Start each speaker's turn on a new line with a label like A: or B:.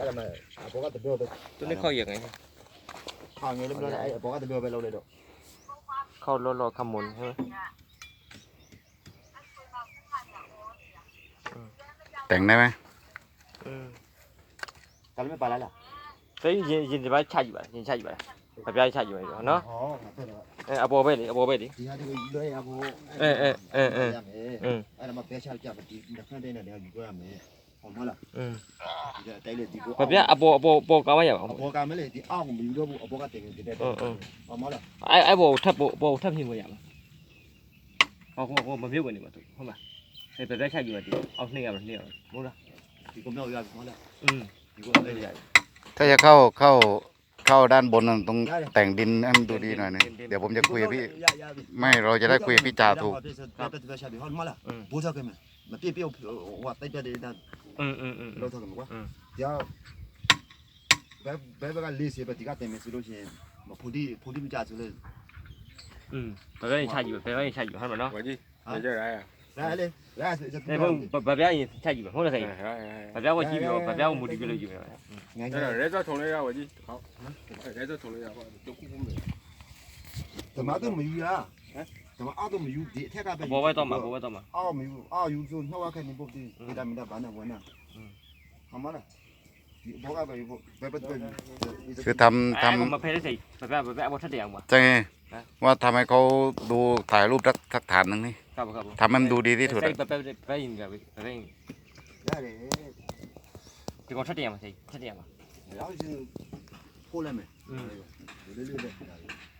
A: အဲ့ဒါမှအပေါ်ကတပြောပဲ
B: ตัวนี้เข้าอย่างไง
A: ခေါင်းငယ်လေးမလို့အဲ့အပေါ်ကတပြောပဲလုပ်လိုက်တော့
B: เข้ารอขมุนใช่ไหม
C: แต่งได้ไหม
A: ကလည်းမပါလား
B: เฮ้ยยินจะไปชาอยู่ป่ะยินชาอยู่ป่ะแบบย้ายชาอยู่ป่ะเนาะ
A: ဟောငါပြောတယ်
B: อโปเบ้ดิอโปเบ้ดิ
A: ဒီဟာဒီလွှဲရဖို့အဲ့ဒါမှပဲချကြပါဒီတစ်ခါတည်းနဲ့လည်းယူရမယ်ဟောမလားဒီတိုက်လေဒီကို
B: แบบย้ายอโปก้าวไม่อย่าง
A: အပေါ်ကမလေးဒီအောက်ကိုမယူတော့ဘူးအပေါ်ကတင်နေတဲ့ဟောမလား
B: ไอ้โปทับโปทับพิมพ์มาอย่างเขามาเบี้ยวกันนี่มาถูกเข้ามาไอ้แบบย้ายชาอยู่ป่ะดิเอาเนี่ยแบบเนี่ยมั้งล่ะ
A: ဒီကိုမြောက်ရပြီဟောလား
B: ဒီကိုเลยใหญ่
C: ถ้าจะเข้าด้านบนต้องแต่งดินให้มันดูดีหน่อยนึงเดี๋ยวผมจะคุยกับพี่ไม่เราจะได้คุยกับพี่จ่าถูก
A: ပဲချပြီဟောမလားဘိုးစားခဲ့မယ်မပြည့်ပြည့်ဟိုတိုက်တဲ့ဒါလောက်တော့မှာကွာကြာဘယ်ကလေးစီပဲဒီကတင်မယ်ဆိုလို့ရှိရင်ဖိုဒီမကြဆိုလေ
B: แบบย้ายชาอยู่แบบย้ายชาอยู่ให้มันเนาะ
D: 我去，你这来呀？
A: လာလေလာစ
B: ไอ้พวกแบบย้ายชาอยู่มั้งล่ะใส่แบบย้ายว่าจีบอยู่แบบย้ายว่ามูดีไปเลยอยู่
A: ငါ
D: 这
A: ငါ
D: 人家同类呀，我去，好，人家同类呀，都哭哭没。
A: တမတော့မယူရတမအောက်တော့မယူဒီထက်ကပဲ
B: အပေါ်ပဲတော့မှာအပေါ်ပဲတော့မှာ
A: အောက်မယူအောက်ယူဆိုနှောက်ခက်နေပုတ်ဒီဗီတာမင်ဘာနဲ့ဝင်နာဟမလားဒီဘောကပဲယူဘယ်ပဲ
C: คือทำ
B: มาเพลย์ใส่แบบเอาทัดเดียวมา
C: จะไงว่าทำให้เขาดูถ่ายรูปสักฐานหนึ่งนี่
B: ครับ
C: ทำให้มันดูดีที่สุด
B: ใส่แบบยิงแบบยิง
A: ရတယ်
B: ที่เขาทัดเดียวมาใส่ทัดเดียวมา
A: แล้วคือพูดอะไรมั้ยလေးလေးလေး